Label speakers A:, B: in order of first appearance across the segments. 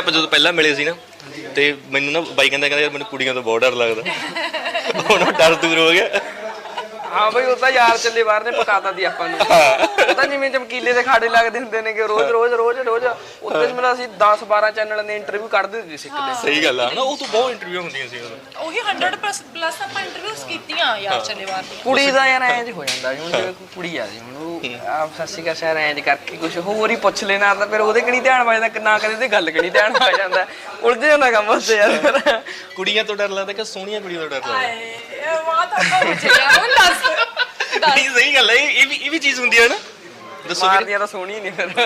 A: ਆਪਾਂ ਜਦੋਂ ਪਹਿਲਾਂ ਮਿਲੇ ਸੀ ਨਾ ਤੇ ਮੈਨੂੰ ਨਾ ਬਾਈ ਕਹਿੰਦਾ ਯਾਰ ਮੈਨੂੰ ਕੁੜੀਆਂ ਤੋਂ ਬਹੁਤ ਡਰ ਲੱਗਦਾ। ਹੁਣ ਉਹ ਡਰ ਦੂਰ ਹੋ ਗਿਆ।
B: ਹਾਂ ਬਈ ਉਹ ਤਾਂ ਯਾਰ ਚੱਲੇ ਬਾਹਰ ਨੇ ਪਕਾਤਾ ਦੀ ਆਪਾਂ ਨੂੰ। ਉਹ ਤਾਂ ਜਿਵੇਂ ਚਮਕੀਲੇ ਦੇ ਖਾੜੇ ਲੱਗਦੇ ਹੁੰਦੇ ਨੇ ਕਿ ਰੋਜ਼ ਉੱਤੇ ਮੇਰਾ ਅਸੀਂ 10-12 ਚੈਨਲ ਨੇ ਇੰਟਰਵਿਊ ਕੱਢਦੇ ਸੀ ਸਿੱਖਦੇ।
A: ਸਹੀ ਗੱਲ ਆ ਨਾ, ਉਹ ਤੋਂ ਬਹੁਤ ਇੰਟਰਵਿਊ ਹੁੰਦੀਆਂ ਸੀ
C: ਉਹੀ 100+ ਆਪਾਂ ਇੰਟਰਵਿਊਜ਼ ਕੀਤੀਆਂ ਯਾਰ ਚੱਲੇਵਾਰ ਦੀਆਂ।
B: ਕੁੜੀ ਦਾ ਯਾਰ ਐਂ ਹੋ ਜਾਂਦਾ ਹੁਣ ਜਿਵੇਂ ਕੁੜੀ ਆ ਜੀ ਹੁਣ ਉਹ ਆਪ ਸੱਸੀ ਕਾ ਸ਼ਹਿਰ ਐਂ ਕਰਕੇ ਕੁਝ ਹੋਰ ਹੀ ਪੁੱਛ ਲੈਣਾ ਤਾਂ ਫਿਰ ਉਹਦੇ ਕਿਹੜੀ ਧਿਆਨ ਵੱਜਦਾ ਕਿ ਨਾ ਕਦੇ ਤੇ ਗੱਲ ਕਿਹੜੀ ਧਿਆਨ ਵੱਜ ਜਾਂਦਾ, ਉਲਝ ਜਾਂਦਾ ਕੰਮ ਉਸ ਤੇ ਯਾਰ।
A: ਕੁੜੀਆਂ ਤੋਂ ਡਰ ਲੱਗਦਾ ਕਿ ਸੋਹਣੀਆਂ ਕੁੜੀਆਂ ਤੋਂ ਡਰ ਲੱਗਦਾ?
C: ਇਹ ਬਾਤ ਆਪਾਂ ਪੁੱਛਿਆ ਹੁਣ ਦੱਸ।
A: ਨਹੀਂ ਸਹੀ ਗੱਲ ਹੈ, ਇਹ ਵੀ ਚੀਜ਼ ਹੁੰਦੀ ਹੈ ਨਾ। ਦੱਸੋ
B: ਮਾਰਦੀਆਂ ਤਾਂ ਸੋਹਣੀ ਨਹੀਂ ਫਿਰ।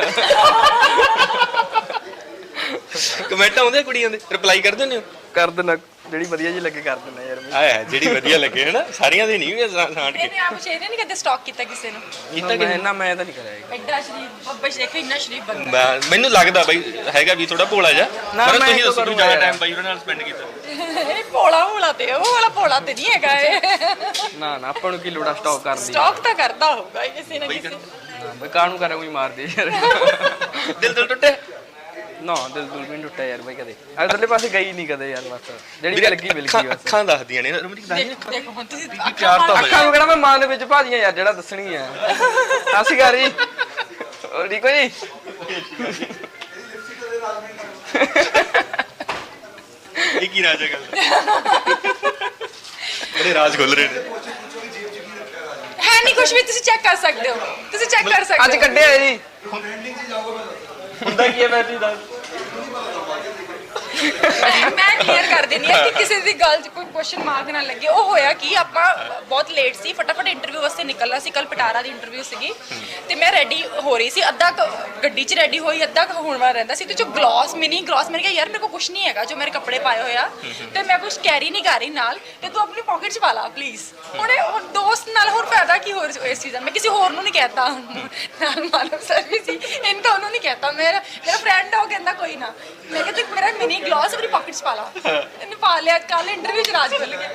A: ਕਮੈਂਟ ਆਉਂਦੇ ਕੁੜੀਆਂ ਦੇ, ਰਿਪਲਾਈ ਕਰ ਦਿੰਦੇ ਹੋ?
B: ਕਰ ਦੇਣਾ, ਜਿਹੜੀ ਵਧੀਆ ਜੀ ਲੱਗੇ ਕਰ ਦੇਣਾ ਯਾਰ।
A: ਆਇਆ ਜਿਹੜੀ ਵਧੀਆ ਲੱਗੇ ਹੈ ਨਾ, ਸਾਰੀਆਂ ਦੇ ਨਹੀਂ ਸਾਂਟ ਕੇ।
C: ਇਹਨੇ ਆਪ ਸ਼ੇਰੇ ਨਹੀਂ ਕਦੇ ਸਟਾਕ ਕੀਤਾ ਕਿਸੇ ਨੂੰ?
A: ਕੀਤਾ ਕਿ
B: ਨਾ ਮੈਂ ਤਾਂ ਨਹੀਂ ਕਰਿਆ।
C: ਐਡਾ ਸ਼ਰੀਫ ਬੱਬਾ ਸ਼ੇਖ ਇੰਨਾ ਸ਼ਰੀਫ ਬੰਦਾ।
A: ਮੈਨੂੰ ਲੱਗਦਾ ਬਾਈ ਹੈਗਾ ਵੀ ਥੋੜਾ ਭੋਲਾ ਜਿਹਾ, ਪਰ ਤੁਸੀਂ ਦੱਸੋ ਕਿ ਜ਼ਿਆਦਾ ਟਾਈਮ ਬਾਈ ਉਹਨਾਂ ਨਾਲ ਸਪੈਂਡ ਕੀਤਾ?
C: ਇਹ ਭੋਲਾ ਤੇ ਉਹ ਵਾਲਾ ਭੋਲਾ ਤੇ ਨਹੀਂ ਹੈਗਾ ਇਹ।
B: ਨਾ ਆਪਾਂ ਨੂੰ ਕੀ ਲੋੜਾ ਸਟਾਕ ਕਰਨ ਦੀ।
C: ਸਟਾਕ ਤਾਂ ਕਰਦਾ ਹੋਊਗਾ ਕਿਸੇ ਨਾ ਕਿਸੇ।
B: ਬਈ ਕਾਹਨੂੰ ਕਰਾਂ ਕੋਈ ਮਾਰਦੇ ਯਾਰ।
A: ਦਿਲ ਟੁੱਟੇ?
B: ਨਾ ਦਿਲ ਵੀ ਨਹੀਂ ਟੁੱਟਿਆ ਯਾਰ ਬਈ ਕਦੇ। ਅਗਲੇ ਪਾਸੇ ਗਈ ਨਹੀਂ ਕਦੇ ਯਾਰ, ਬਸ ਜਿਹੜੀ ਲੱਗੀ ਮਿਲ ਗਈ ਬਸ।
A: ਅੱਖਾਂ ਦੱਸਦੀਆਂ ਨੇ ਰਮਨੀਕ,
C: ਦੇਖੋ ਹੁਣ ਤੁਸੀਂ
A: ਪਿਆਰ ਤਾਂ
B: ਅੱਖਾਂ ਨੂੰ ਕਿਹੜਾ ਮੈਂ ਮਾਂ ਦੇ ਵਿੱਚ ਭਾਜੀਆਂ ਯਾਰ, ਜਿਹੜਾ ਦੱਸਣੀ ਆ। ਅਸੀਂ ਘਰ ਹੀ ਹੋਰ ਠੀਕ ਹੋ ਜੀ?
A: ਇਹ ਕੀ ਰਾਜ ਹੈ ਗੱਲ? ਬੜੇ ਰਾਜ ਖੁੱਲ ਰਹੇ ਨੇ।
C: ਹੈ ਨਹੀਂ ਕੁਝ ਵੀ, ਤੁਸੀਂ ਚੈੱਕ ਕਰ ਸਕਦੇ ਹੋ, ਤੁਸੀਂ ਚੈੱਕ ਕਰ ਸਕਦੇ ਹੋ।
B: ਅੱਜ ਕੱਢਿਆ ਜੀ
A: ਹੁੰਦਾ ਕੀ ਹੈ ਮੈਂ ਦੱਸ।
C: ਮੈਂ ਕਲੀਅਰ ਕਰ ਦਿੰਦੀ ਹਾਂ ਕਿ ਕਿਸੇ ਦੀ ਗੱਲ 'ਚ ਕੋਈ ਕੁਐਸਚਨ ਮਾਰਕ ਨਾ ਲੱਗੇ। ਉਹ ਹੋਇਆ ਕਿ ਆਪਾਂ ਬਹੁਤ ਲੇਟ ਸੀ, ਫਟਾਫਟ ਇੰਟਰਵਿਊ ਵਾਸਤੇ ਨਿਕਲਣਾ ਸੀ। ਕੱਲ ਪਟਾਰਾ ਦੀ ਇੰਟਰਵਿਊ ਸੀਗੀ ਤੇ ਮੈਂ ਰੈਡੀ ਹੋ ਰਹੀ ਸੀ, ਅੱਧਾ ਗੱਡੀ 'ਚ ਰੈਡੀ ਹੋਈ, ਅੱਧਾ ਹੋਣ ਵਾਲਾ ਰਹਿੰਦਾ ਸੀ। ਤੇ ਜੋ ਮਿਨੀ ਗਲੌਸ ਮੈਂ ਕਿਹਾ ਯਾਰ ਮੇਰੇ ਕੋਲ ਕੁਝ ਨਹੀਂ ਹੈਗਾ ਜੋ ਮੇਰੇ ਕੱਪੜੇ ਪਾਏ ਹੋਇਆ ਤੇ ਮੈਂ ਕੁਝ ਕੈਰੀ ਨਹੀਂ ਕਰ ਰਹੀ ਨਾਲ, ਤੇ ਤੂੰ ਆਪਣੀ ਪਾਕਟ 'ਚ ਪਾ ਲਾ ਪਲੀਜ਼। ਹੁਣ ਦੋਸਤ ਨਾਲ ਹੋਰ ਫਾਇਦਾ ਕੀ ਹੋਰ ਇਸ ਚੀਜ਼ ਦਾ। ਮੈਂ ਕਿਸੇ ਹੋਰ ਨੂੰ ਨਹੀਂ ਕਹਿਤਾ, ਨਾਲ ਮਾਨਵ ਸਰ ਵੀ ਸੀ, ਇਹਨੂੰ ਤਾਂ ਉਹਨੂੰ ਨਹੀਂ ਕਹਿਤਾ। ਮੇਰਾ ਫਰੈਂਡ ਆ, ਉਹ ਕਹਿੰਦਾ ਕੋਈ ਨਾ। ਮੈਂ ਕਿਹਾ ਤੂੰ ਮੇਰਾ ਮਿਨੀ ਗਲੌਸ ਆਪਣੀ ਪਾਕਟ 'ਚ ਪਾ ਲਾ। ਇਹਨੇ ਪਾ ਲਿਆ। ਕੱਲ ਇੰਟਰਵਿਊ 'ਚ ਰਾਜ ਖੁੱਲ ਗਿਆ।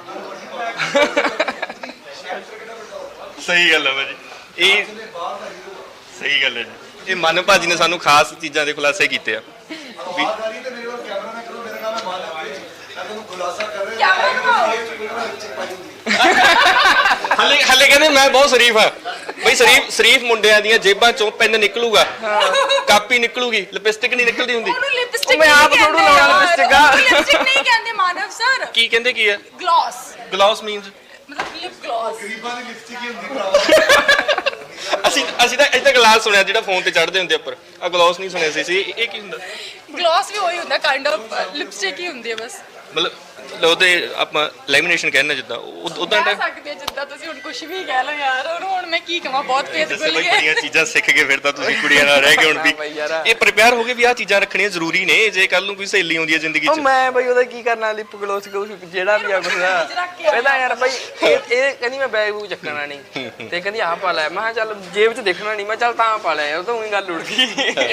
A: ਸਹੀ ਗੱਲ ਹੈ ਭਾਜੀ, ਇਹ ਸਹੀ ਗੱਲ ਹੈ ਜੀ। ਇਹ ਮਨ ਭਾਜੀ ਨੇ ਸਾਨੂੰ ਖਾਸ ਚੀਜ਼ਾਂ ਦੇ ਖੁਲਾਸੇ ਕੀਤੇ ਆ ਵੀ ਹਲੇ ਕਹਿੰਦੇ ਮੈਂ ਬਹੁਤ ਸ਼ਰੀਫ ਆ ਬਈ। ਸ਼ਰੀਫ ਮੁੰਡਿਆਂ ਦੀਆਂ ਜੇਬਾਂ ਚੋਂ ਪੈਨ ਨਿਕਲੂਗਾ, ਕਾਪੀ ਨਿਕਲੂਗੀ, ਲਿਪਸਟਿਕ ਨਹੀਂ ਨਿਕਲਦੀ ਹੁੰਦੀ।
C: ਉਹਨੂੰ ਲਿਪਸਟਿਕ
B: ਮੈਂ ਆਪ ਥੋੜੂ ਲਾਉਣਾ ਲਿਪਸਟਿਕ ਆ।
C: ਲਿਪਸਟਿਕ ਨਹੀਂ ਕਹਿੰਦੇ ਮਾਨਵ ਸਰ।
A: ਕੀ ਕਹਿੰਦੇ ਕੀ ਹੈ?
C: ਗਲੌਸ।
A: ਗਲੌਸ ਮੀਨਸ
C: ਮਤਲਬ ਲਿਪ ਗਲੌਸ।
A: ਅਸੀਂ ਤਾਂ ਗਲਾਸ ਸੁਣਿਆ ਜਿਹੜਾ ਫੋਨ ਤੇ ਚੜਦੇ ਹੁੰਦੇ ਉੱਪਰ, ਆ ਗਲੌਸ ਨਹੀਂ ਸੁਣਿਆ ਸੀ। ਇਹ ਕੀ ਹੁੰਦਾ?
C: ਗਲੌਸ ਵੀ ਉਹੀ ਹੁੰਦਾ, ਕਾਈਂਡ ਆਫ ਲਿਪਸਟਿਕ ਹੀ ਹੁੰਦੀ ਹੈ ਬਸ।
A: ਮਤਲਬ ਉਹਦੇ ਆਪਾਂ ਲੈਮੀਨੇਸ਼ਨ ਕਹਿੰਦੇ ਜਿੱਦਾਂ ਉਦਾਂ
C: ਕਹਿ ਸਕਦੇ ਜਿੱਦਾਂ ਤੁਸੀਂ ਹੁਣ ਕੁਝ ਵੀ ਕਹਿ ਲਓ ਯਾਰ। ਹੁਣ ਮੈਂ ਕੀ ਕਹਾਂ, ਬਹੁਤ ਪੇਟ ਖੁੱਲ
A: ਬਈ
C: ਗਿਆ।
A: ਬੜੀਆਂ ਚੀਜ਼ਾਂ ਸਿੱਖ ਕੇ ਫਿਰ ਤਾਂ ਤੁਸੀਂ ਕੁੜੀਆਂ ਨਾਲ ਰਹਿ ਕੇ ਹੁਣ ਵੀ ਇਹ ਪ੍ਰਿਪੇਅਰ ਹੋ ਗਏ ਵੀ ਆਹ ਚੀਜ਼ਾਂ ਰੱਖਣੀਆਂ ਜ਼ਰੂਰੀ ਨੇ ਜੇ ਕੱਲ ਨੂੰ ਕੋਈ ਸਹੇਲੀ ਆਉਂਦੀ ਹੈ ਜ਼ਿੰਦਗੀ 'ਚ।
B: ਮੈਂ ਬਈ ਉਹਦਾ ਕੀ ਕਰਨਾ, ਲਿਪ ਗਲੋਸ ਜਿਹੜਾ ਵੀ ਆ ਕੁਛ ਇਹਦਾ ਯਾਰ ਬਈ। ਇਹ ਕਹਿੰਦੀ ਮੈਂ ਬੈਗ ਬੂਗ ਚੱਕਣਾ ਨਹੀਂ ਤੇ ਕਹਿੰਦੀ ਆਹ ਪਾ ਲੈ। ਮੈਂ ਕਿਹਾ ਚੱਲ ਜੇਬ 'ਚ ਦੇਖਣਾ ਨਹੀਂ, ਮੈਂ ਚੱਲ ਤਾਂ ਪਾ ਲਿਆ। ਉਹ ਤਾਂ ਉਹੀ ਗੱਲ ਉੜ ਗਈ।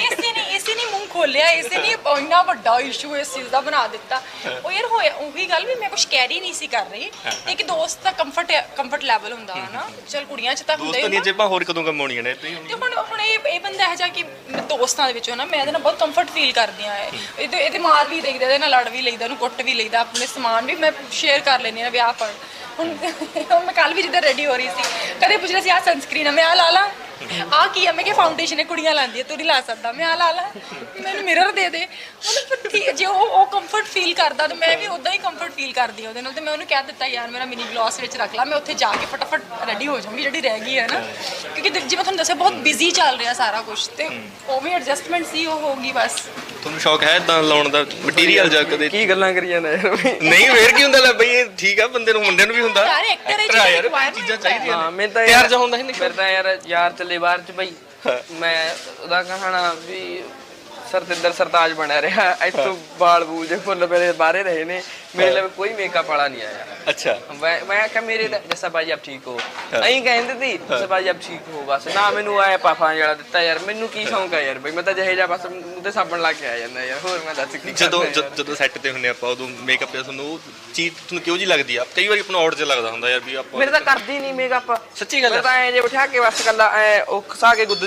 C: ਇਸੇ ਨੇ ਮੂੰਹ ਖੋਲਿਆ, ਇਸੇ ਨੇ ਇੰਨਾ ਵੱਡਾ ਇਸ਼ੂ ਇਸ ਚੀਜ਼ ਦਾ ਬਣਾ ਦਿੱਤਾ। ਉਹ ਯਾਰ ਹੋਇਆ ਉਹੀ ਗੱਲ ਵੀ ਮੈਂ ਕੁਝ ਕੈਰੀ ਨਹੀਂ ਸੀ ਕਰ ਰਹੀ। ਇੱਕ ਦੋਸਤ ਦਾ ਕੰਫਰਟ ਲੈਵਲ ਹੁੰਦਾ ਹੈ ਨਾ। ਚਲ ਕੁੜੀਆਂ 'ਚ ਤਾਂ ਹੁੰਦਾ
A: ਦੋਸਤਾਂ ਦੀਆਂ ਜੇਬਾਂ ਹੋਰ ਕਦੋਂ ਕਮਾਉਣੀਆਂ ਨੇ
C: ਤੇ ਹੁਣ ਇਹ ਬੰਦਾ ਇਹੋ ਜਿਹਾ ਕਿ ਦੋਸਤਾਂ ਦੇ ਵਿੱਚੋਂ ਨਾ ਮੈਂ ਇਹਦੇ ਨਾਲ ਬਹੁਤ ਕੰਫਰਟ ਫੀਲ ਕਰਦੀ ਆ। ਇਹਦੇ ਮਾਰ ਵੀ ਲਈਦਾ, ਇਹਦੇ ਨਾਲ ਲੜ ਵੀ ਲਈਦਾ, ਉਹਨੂੰ ਕੁੱਟ ਵੀ ਲਈਦਾ, ਆਪਣੇ ਸਮਾਨ ਵੀ ਮੈਂ ਸ਼ੇਅਰ ਕਰ ਲੈਂਦੀ ਆ ਵਿਆਹ ਪਰ। ਹੁਣ ਮੈਂ ਕੱਲ ਵੀ ਜਿੱਦਾਂ ਰੈਡੀ ਹੋ ਰਹੀ ਸੀ, ਕਦੇ ਪੁੱਛ ਰਿਹਾ ਸੀ ਆਹ ਸਨਸਕ੍ਰੀਨ ਆ, ਮੈਂ ਆਹ ਲਾ ਲਾ। ਆਹ ਕੀ ਆ? ਮੈਂ ਕਿਹਾ ਫਾਊਂਡੇਸ਼ਨ ਹੈ, ਕੁੜੀਆਂ ਲਾਉਂਦੀਆਂ, ਤੂੰ ਨਹੀਂ ਲਾ ਸਕਦਾ, ਮੈਂ ਆਹ ਲਾ ਲਾ। ਮੈਨੂੰ ਮਿਰਰ ਦੇ ਦੇ। ਮਤਲਬ ਠੀਕ ਜੇ ਉਹ ਕੰਫਰਟ ਫੀਲ ਕਰਦਾ ਤਾਂ ਮੈਂ ਵੀ ਉਦਾਂ ਹੀ ਕੰਫਰਟ ਫੀਲ ਕਰਦੀ ਆ ਉਹਦੇ ਨਾਲ। ਤੇ ਮੈਂ ਉਹਨੂੰ ਕਹਿ ਦਿੱਤਾ ਯਾਰ ਮੇਰਾ ਮਿਨੀ ਗਲੌਸ ਵਿੱਚ ਰੱਖ ਲਾ, ਮੈਂ ਉੱਥੇ ਜਾ ਕੇ ਫਟਾਫਟ ਰੈਡੀ ਹੋ ਜਾਵਾਂਗੀ ਜਿਹੜੀ ਰਹਿ ਗਈ ਹੈ ਨਾ। ਕਿਉਂਕਿ ਜਿਵੇਂ ਤੁਹਾਨੂੰ ਦੱਸਿਆ ਬਹੁਤ ਬਿਜ਼ੀ ਚੱਲ ਰਿਹਾ ਸਾਰਾ ਕੁਝ, ਤੇ ਉਹ ਵੀ ਐਡਜਸਟਮੈਂਟ ਸੀ, ਉਹ ਹੋਊਗੀ ਬਸ।
A: ਤੁਹਾਨੂੰ ਸ਼ੌਕ ਹੈ ਇਦਾਂ ਲਾਉਣ ਦਾ ਮਟੀਰੀਅਲ ਜਾਂ ਕਦੇ?
B: ਕੀ ਗੱਲਾਂ ਕਰੀ ਜਾਂਦਾ ਯਾਰ।
A: ਨਹੀਂ ਫੇਰ ਕੀ ਹੁੰਦਾ ਲੈ ਬਈ, ਇਹ ਠੀਕ ਆ ਬੰਦੇ ਨੂੰ, ਮੁੰਡਿਆਂ ਨੂੰ ਵੀ ਹੁੰਦਾ
C: ਯਾਰ ਐਕਟਰ ਹੈ
A: ਯਾਰ, ਚੀਜ਼ਾਂ ਚਾਹੀਦੀਆਂ
B: ਹਾਂ। ਮੈਂ ਤਾਂ
A: ਪਿਆਰ ਜਿਹਾ ਹੁੰਦਾ ਸੀ।
B: ਫਿਰ ਤਾਂ ਯਾਰ ਚੱਲੇ ਬਾਹਰ ਚ ਬਈ ਮੈਂ ਉਹਦਾ ਕਹਾਣਾ ਵੀ ਸਰਤਿੰਦਰ ਸਰਤਾਜ ਬਣਿਆ ਰਿਹਾ। ਇੱਥੋਂ ਬਾਲ ਬੂਲ ਜੇ ਫੁੱਲ ਮੇਰੇ ਬਾਹਰੇ ਰਹੇ ਨੇ, ਮੇਰੇ ਲਈ ਕੋਈ ਮੇਕਅਪ ਵਾਲਾ ਨਹੀਂ ਆਇਆ।
A: ਅੱਛਾ।
B: ਮੈਂ ਕਿਹਾ ਮੇਰੇ ਜੱਸਾ ਭਾਜੀ ਆਪ ਠੀਕ ਹੋ, ਐਂ ਕਹਿੰਦੇ ਸੀ ਜੱਸਾ ਭਾਜੀ ਆਪ ਠੀਕ ਹੋ ਬਸ। ਨਾ ਮੈਨੂੰ ਆਇਆ ਪਾਫਾਂ ਜਿਹੜਾ ਦਿੱਤਾ ਯਾਰ। ਮੈਨੂੰ ਕੀ ਸ਼ੌਂਕ ਆ ਯਾਰ ਬਈ, ਮੈਂ ਤਾਂ ਜਿਹੇ ਜਿਹਾ ਬਸ ਉਹਦੇ ਸਾਬਣ ਲਾ ਕੇ ਆ ਜਾਂਦਾ ਯਾਰ। ਹੋਰ ਮੈਂ ਦੱਸ ਕੀ।
A: ਜਦੋਂ ਸੈੱਟ ਤੇ ਹੁੰਨੇ ਆਪਾਂ ਉਦੋਂ ਮੇਕਅਪ ਤੇ ਤੁਹਾਨੂੰ ਉਹ ਚੀਜ਼ ਤੁਹਾਨੂੰ ਕਿਉਂ ਜੀ ਲੱਗਦੀ ਆ? ਕਈ ਵਾਰੀ ਆਪਣਾ ਆਊਟ ਜਿਹਾ ਲੱਗਦਾ ਹੁੰਦਾ ਯਾਰ ਵੀ ਆਪਾਂ।
B: ਮੇਰੇ ਤਾਂ ਕਰਦੀ ਨਹੀਂ ਮੇਕਅਪ।
A: ਸੱਚੀ ਗੱਲ
B: ਮੈਂ ਤਾਂ ਐਂ ਜੇ ਬਿਠਾ ਕੇ ਬਸ ਕੱਲਾ ਐ ਉਹ ਖਸਾ ਕੇ ਗੁੱਦ ਜੀ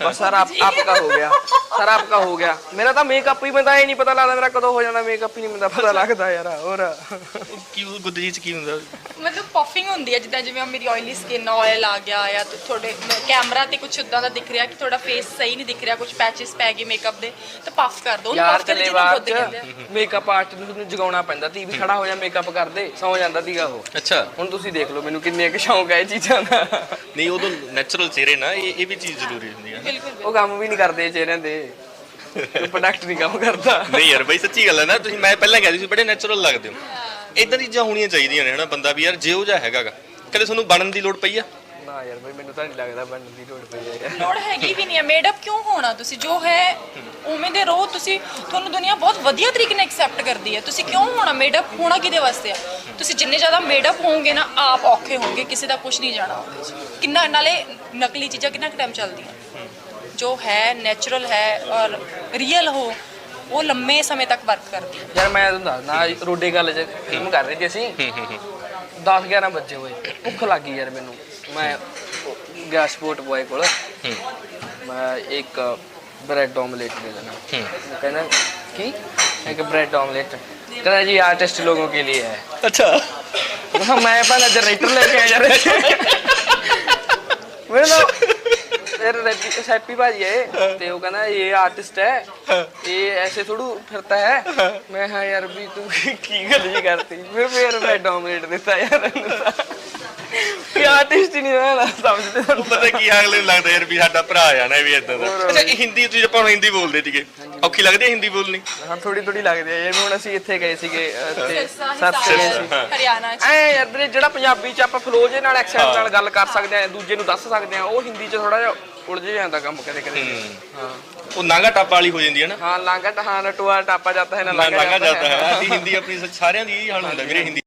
B: बस सर आपका हो गया, सर आपका हो गया। मेरा तो मेकअप ही बनता ही नहीं पता लगता, मेरा कदों हो जाना मेकअप ही नहीं बनता पता लगता यार। और
A: ਕੀ ਗੁੱਦਰੀ ਚ ਕੀ ਹੁੰਦਾ?
C: ਮਤਲਬ ਪਫਿੰਗ ਹੁੰਦੀ ਹੈ, ਜਿੱਦਾਂ ਜਿਵੇਂ ਮੇਰੀ ਆਇਲੀ ਸਕਿਨ, ਆਇਲ ਆ ਗਿਆ ਜਾਂ ਤੁਹਾਡੇ ਕੈਮਰਾ ਤੇ ਕੁਝ ਉਦਾਂ ਦਾ ਦਿਖ ਰਿਹਾ ਕਿ ਤੁਹਾਡਾ ਫੇਸ ਸਹੀ ਨਹੀਂ ਦਿਖ ਰਿਹਾ, ਕੁਝ ਪੈਚਸ ਪੈ ਗਏ ਮੇਕਅਪ ਦੇ, ਤਾਂ ਪਫ ਕਰ ਦੋ
B: ਯਾਰ ਚੱਲੇ ਬਾਹਰ ਚ ਮੇਕਅਪ ਆਰਟਿਸਟ ਨੂੰ ਜਗਾਉਣਾ ਪੈਂਦਾ ਤੀ ਵੀ ਖੜਾ ਹੋ ਜਾ ਮੇਕਅਪ ਕਰਦੇ, ਸੌ ਜਾਂਦਾ ਸੀਗਾ ਉਹ।
A: ਅੱਛਾ,
B: ਹੁਣ ਤੁਸੀਂ ਦੇਖ ਲਓ ਮੈਨੂੰ ਕਿੰਨੇ ਕੁ ਸ਼ੌਂਕ ਹੈ ਇਹ ਚੀਜ਼ਾਂ ਦਾ।
A: ਨਹੀਂ ਉਦੋਂ ਨੈਚੁਰਲ ਚਿਹਰੇ ਨਾ, ਇਹ ਵੀ ਚੀਜ਼ ਜ਼ਰੂਰੀ ਹੁੰਦੀ ਹੈ।
C: ਬਿਲਕੁਲ
B: ਉਹ ਕੰਮ ਵੀ ਨਹੀਂ ਕਰਦੇ ਚਿਹਰਿਆਂ ਦੇ, ਪ੍ਰੋਡਕਟ ਨਹੀਂ ਕੰਮ ਕਰਦਾ।
A: ਨਹੀਂ ਯਾਰ ਬਈ ਸੱਚੀ ਗੱਲ ਹੈ ਨਾ, ਤੁਸੀਂ ਮੈਂ ਪਹਿਲਾਂ ਕਹਿੰਦੀ ਸੀ ਬੜੇ ਨੈਚੁਰਲ ਲੱਗਦੇ ਹੋ। ਇਦਾਂ ਦੀ ਚੀਜ਼ਾਂ ਹੋਣੀਆਂ ਚਾਹੀਦੀਆਂ ਨੇ ਹਨਾ, ਬੰਦਾ ਵੀ ਯਾਰ ਜਿਹੋ ਜਿਹਾ ਹੈਗਾਗਾ। ਕਦੇ ਤੁਹਾਨੂੰ ਬਣਨ ਦੀ ਲੋੜ ਪਈ ਆ?
B: ਨਾ ਯਾਰ ਬਈ ਮੈਨੂੰ ਤਾਂ ਨਹੀਂ ਲੱਗਦਾ ਬਣਨ ਦੀ ਲੋੜ ਪਈ ਹੈ।
C: ਲੋੜ ਹੈਗੀ ਵੀ ਨਹੀਂ ਹੈ, ਮੇਡ ਅਪ ਕਿਉਂ ਹੋਣਾ, ਤੁਸੀਂ ਜੋ ਹੈ ਉਵੇਂ ਦੇ ਰਹੋ। ਤੁਸੀਂ ਤੁਹਾਨੂੰ ਦੁਨੀਆ ਬਹੁਤ ਵਧੀਆ ਤਰੀਕੇ ਨਾਲ ਐਕਸੈਪਟ ਕਰਦੀ ਹੈ, ਤੁਸੀਂ ਕਿਉਂ ਹੋਣਾ ਮੇਡ ਅਪ? ਹੋਣਾ ਕਿਹਦੇ ਵਾਸਤੇ ਆ? ਤੁਸੀਂ ਜਿੰਨੇ ਜ਼ਿਆਦਾ ਮੇਡ ਅਪ ਹੋਵੋਗੇ ਨਾ, ਆਪ ਔਖੇ ਹੋਵੋਗੇ, ਕਿਸੇ ਦਾ ਕੁਝ ਨਹੀਂ ਜਾਣਾ ਉਹਦੇ 'ਚ। ਕਿੰਨਾ ਨਾਲੇ ਨਕਲੀ ਚੀਜ਼ਾਂ ਕਿੰਨਾ ਕੁ ਟਾਈਮ ਚੱਲਦੀਆਂ, ਜੋ ਹੈ ਨੈਚੁਰਲ ਹੈ ਔਰ ਰੀਅਲ ਹੋ, ਉਹ ਲੰਮੇ ਸਮੇਂ ਤੱਕ ਵਰਕ ਕਰਦੀ ਹੈ।
B: ਯਾਰ ਮੈਂ ਤੁਹਾਨੂੰ ਦੱਸਦਾ, ਰੋਡੇ ਗੱਲ 'ਚ ਫਿਲਮ ਕਰ ਰਹੇ ਸੀ ਅਸੀਂ, 10-11 ਵਜੇ ਹੋਏ, ਭੁੱਖ ਲੱਗ ਗਈ ਯਾਰ ਮੈਨੂੰ। ਮੈਂ ਗਿਆ ਸਪੋਰਟ ਬॉय ਕੋਲ, ਮੈਂ ਇੱਕ ਬ੍ਰੈਡ ਆਮਲੇਟ ਦੇ ਦੇਣਾ। ਉਹ ਕਹਿੰਦਾ ਕੀ? ਇੱਕ ਬ੍ਰੈਡ ਆਮਲੇਟ, ਕਹਿੰਦਾ ਜੀ आर्टिस्ट लोगों के लिए है।
A: ਅੱਛਾ,
B: मैं पहले जनरेटर लेके आया यार। मेरे तो फिर सैपी भाजी है ते वो कहना ये आर्टिस्ट है, ये ऐसे थोड़ू फिरता है। मैं हाँ यार भी तू की गल जी करती, फिर मैं डोमिनेट देता यार कि आर्टिस्ट ही नहीं है समझते।
A: ਉਹ ਪਤਾ ਕੀ ਅਗਲੇ ਨੂੰ ਲੱਗਦਾ ਯਾਰ ਵੀ ਸਾਡਾ ਭਰਾ ਆ ਨਾ, ਇਹ ਵੀ ਇਦਾਂ ਦਾ। ਅੱਛਾ, ਇਹ ਹਿੰਦੀ ਤੁਸੀਂ ਆਪਾਂ ਹਿੰਦੀ ਬੋਲਦੇ ਸੀਗੇ, ਔਖੀ ਲੱਗਦੀ ਹੈ ਹਿੰਦੀ ਬੋਲਣੀ?
B: ਹਾਂ ਥੋੜੀ ਲੱਗਦੀ ਹੈ ਯਾਰ। ਹੁਣ ਅਸੀਂ ਇੱਥੇ ਗਏ ਸੀਗੇ
C: ਸਿਰਸਾ, ਹਰਿਆਣਾ 'ਚ।
B: ਐ ਯਾਰ ਵੀਰੇ ਜਿਹੜਾ ਪੰਜਾਬੀ 'ਚ ਆਪਾਂ ਫਲੋ ਜੇ ਨਾਲ ਐਕਸੈਂਟ ਨਾਲ ਗੱਲ ਕਰ ਸਕਦੇ ਆ, ਦੂਜੇ ਨੂੰ ਦੱਸ ਸਕਦੇ ਆ, ਉਹ ਹਿੰਦੀ 'ਚ ਥੋੜਾ ਜਿਹਾ ਉਲਝ ਜਾਂਦਾ ਕੰਮ ਕਦੇ। ਹਾਂ
A: ਉਹ ਨਾਂਗਾ ਟਾਪਾ ਵਾਲੀ ਹੋ ਜਾਂਦੀ ਹੈ ਨਾ।
B: ਹਾਂ ਲਾਂਗਾ ਹਾਂ ਨਟੂਆ ਟਾਪਾ ਜਾਂਦਾ ਹੈ ਨਾ
A: ਲਾਂਗਾ
B: ਲਾਂਗਾ
A: ਜਾਂਦਾ ਹੈ। ਅਸੀਂ ਹਿੰਦੀ ਆਪਣੀ ਸਾਰਿਆਂ ਦੀ ਇਹੀ ਹਾਲ ਹੁੰਦਾ ਵੀਰੇ, ਹਿੰਦੀ